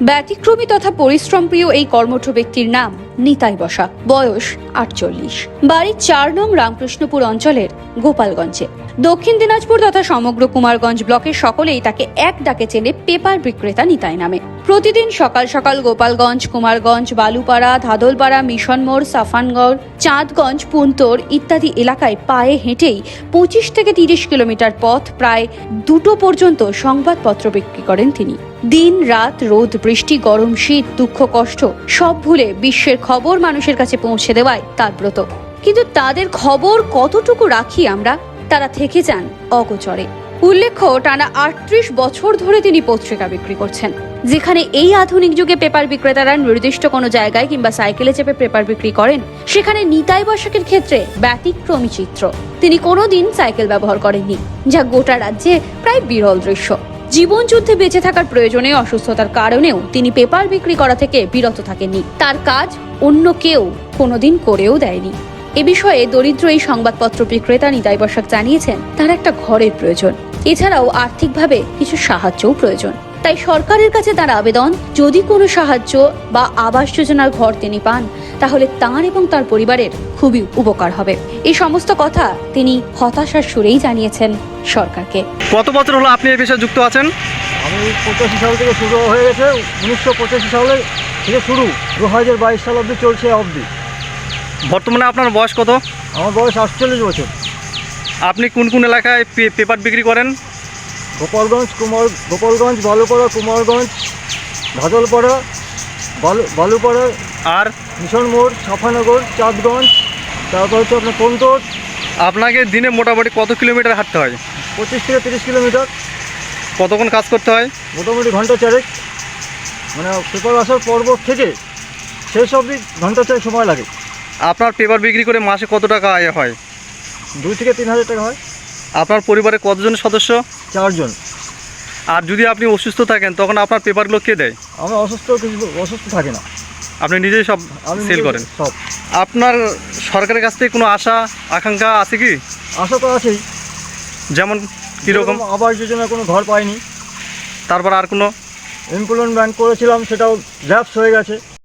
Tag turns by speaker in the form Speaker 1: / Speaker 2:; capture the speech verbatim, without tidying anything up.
Speaker 1: ব্যতিক্রমী তথা পরিশ্রমপ্রিয় এই কর্মঠ ব্যক্তির নাম নিতাই বসা। বয়স আটচল্লিশ। বাড়ি চার নং রামকৃষ্ণপুর অঞ্চলের গোপালগঞ্জে। দক্ষিণ দিনাজপুর তথা সমগ্র কুমারগঞ্জ ব্লকের সকলেই তাকে এক ডাকে চেনে পেপার বিক্রেতা নিতাই নামে। প্রতিদিন সকাল সকাল গোপালগঞ্জ, কুমারগঞ্জ, বালুপাড়া, ধাদলপাড়া, মিশন মোড়, সাফানগড়, চাঁদগঞ্জ, পুন্তর ইত্যাদি এলাকায় পায়ে হেঁটেই পঁচিশ থেকে তিরিশ কিলোমিটার পথ প্রায় দুটো পর্যন্ত সংবাদপত্র বিক্রি করেন তিনি। দিন রাত, রোদ বৃষ্টি, গরম শীত, দুঃখ কষ্ট সব ভুলে বিশ্বের খবর মানুষের কাছে পৌঁছে দেওয়াই তার ব্রত। কিন্তু তাদের খবর কতটুকু রাখি আমরা, তারা থেকে যান অগোচরে। উল্লেখ্য, টানা আটত্রিশ বছর ধরে তিনি পত্রিকা বিক্রি করছেন। যেখানে এই আধুনিক যুগে পেপার বিক্রেতারা নির্দিষ্ট কোনো জায়গায় কিংবা সাইকেলে চেপে পেপার বিক্রি করেন, সেখানে নিতাই বসাকের ক্ষেত্রে ব্যতিক্রমী চিত্র। তিনি কোনোদিন সাইকেল ব্যবহার করেননি, যা গোটা রাজ্যে প্রায় বিরল দৃশ্য। জীবন যুদ্ধে বেঁচে থাকার প্রয়োজনে অসুস্থতার কারণেও তিনি পেপার বিক্রি করা থেকে বিরত থাকেননি। তার কাজ অন্য কেউ কোনোদিন করেও দেয়নি। এ বিষয়ে দরিদ্র এই সংবাদপত্র বিক্রেতা নিতাই বসাক জানিয়েছেন, তার একটা ঘরের প্রয়োজন, এছাড়াও আর্থিকভাবে কিছু সাহায্যও প্রয়োজন। তাই সরকারের কাছে তার আবেদন, যদি কোনো সাহায্য বা আবাস যোজনার ঘর তিনি পান, তাহলে তাঁর এবং তার পরিবারের খুবই উপকার হবে। এই সমস্ত কথা তিনি হতাশার সুরেই জানিয়েছেন সরকারকে।
Speaker 2: কত বছর হলো আপনি এই পেশায় যুক্ত আছেন?
Speaker 3: আমি পঁচাশি সাল থেকে শুরু হয়ে গেছে, উনিশশো পঁচাশি সালে থেকে শুরু, দু হাজার বাইশ সাল অবধি চলছে অবধি।
Speaker 2: বর্তমানে আপনার বয়স কত?
Speaker 3: আমার বয়স আটচল্লিশ বছর।
Speaker 2: আপনি কোন কোন এলাকায় পেপার বিক্রি করেন?
Speaker 3: গোপালগঞ্জ, কুমার গোপালগঞ্জ, বালুপাড়া, কুমারগঞ্জ, ধাদলপাড়া, বালু বালুপাড়া
Speaker 2: আর
Speaker 3: মিশন মোড়, সাফানগর, চাঁদগঞ্জ, তারপর হচ্ছে আপনার পন্তর।
Speaker 2: আপনাকে দিনে মোটামুটি কত কিলোমিটার হাঁটতে হয়?
Speaker 3: পঁচিশ থেকে তিরিশ কিলোমিটার।
Speaker 2: কতক্ষণ কাজ করতে হয়?
Speaker 3: মোটামুটি ঘন্টা চারেক, মানে পেপার আসার পর্ব থেকে শেষ অবধি ঘন্টা চারেক সময় লাগে।
Speaker 2: আপনার পেপার বিক্রি করে মাসে কত টাকা আয় হয়?
Speaker 3: দুই থেকে তিন হাজার টাকা হয়।
Speaker 2: আপনার পরিবারে কতজন সদস্য?
Speaker 3: চারজন।
Speaker 2: আর যদি আপনি অসুস্থ থাকেন তখন আপনার পেপারগুলো কে দেয়?
Speaker 3: আমি অসুস্থ কিছু অসুস্থ থাকি না,
Speaker 2: আপনি নিজেই সব
Speaker 3: আমি
Speaker 2: সেল
Speaker 3: নিজে
Speaker 2: করেন?
Speaker 3: সব।
Speaker 2: আপনার সরকারের কাছ থেকে কোনো আশা আকাঙ্ক্ষা আছে কি?
Speaker 3: আশা তো আছেই,
Speaker 2: যেমন কীরকম?
Speaker 3: আবাস যোজনা কোনো ঘর পাইনি।
Speaker 2: তারপর আর কোনো?
Speaker 3: এমপ্লয়মেন্ট ব্যাংক করেছিলাম, সেটাও ল্যাপস হয়ে গেছে।